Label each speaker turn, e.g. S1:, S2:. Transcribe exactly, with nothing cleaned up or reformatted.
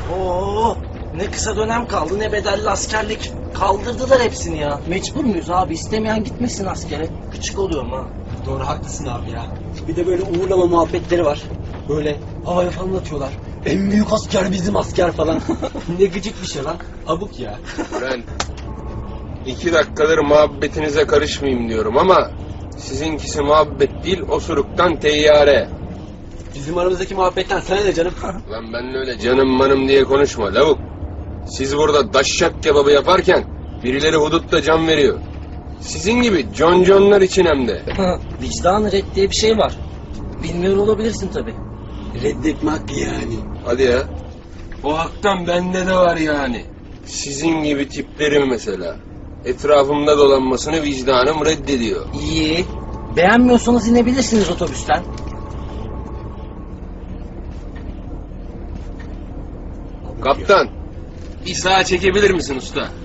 S1: Oo, ne kısa dönem kaldı ne bedelli askerlik. Kaldırdılar hepsini ya. Mecbur muyuz abi? İstemeyen gitmesin askere. Küçük oluyorum ha.
S2: Doğru, haklısın abi ya. Bir de böyle uğurlama muhabbetleri var. Böyle havaya falan atıyorlar. En büyük asker bizim asker falan. Ne gıcık bir şey lan. Abuk ya.
S3: Ben iki dakikadır muhabbetinize karışmayayım diyorum ama sizinkisi muhabbet değil, osuruktan teyyare.
S2: Bizim aramızdaki muhabbetten sana ne canım?
S3: Lan ben öyle canım manım diye konuşma lavuk. Siz burada daşşak kebabı yaparken birileri hudutta can veriyor. Sizin gibi conconlar için hem de.
S1: Vicdan red diye bir şey var. Bilmiyor olabilirsin tabii.
S2: Reddetme hakkı yani.
S3: Hadi ya. O haktan bende de var yani. Sizin gibi tiplerin mesela. Etrafımda dolanmasını vicdanım reddediyor.
S1: İyi. Beğenmiyorsanız inebilirsiniz otobüsten.
S3: Kaptan, bir sağa çekebilir misin usta?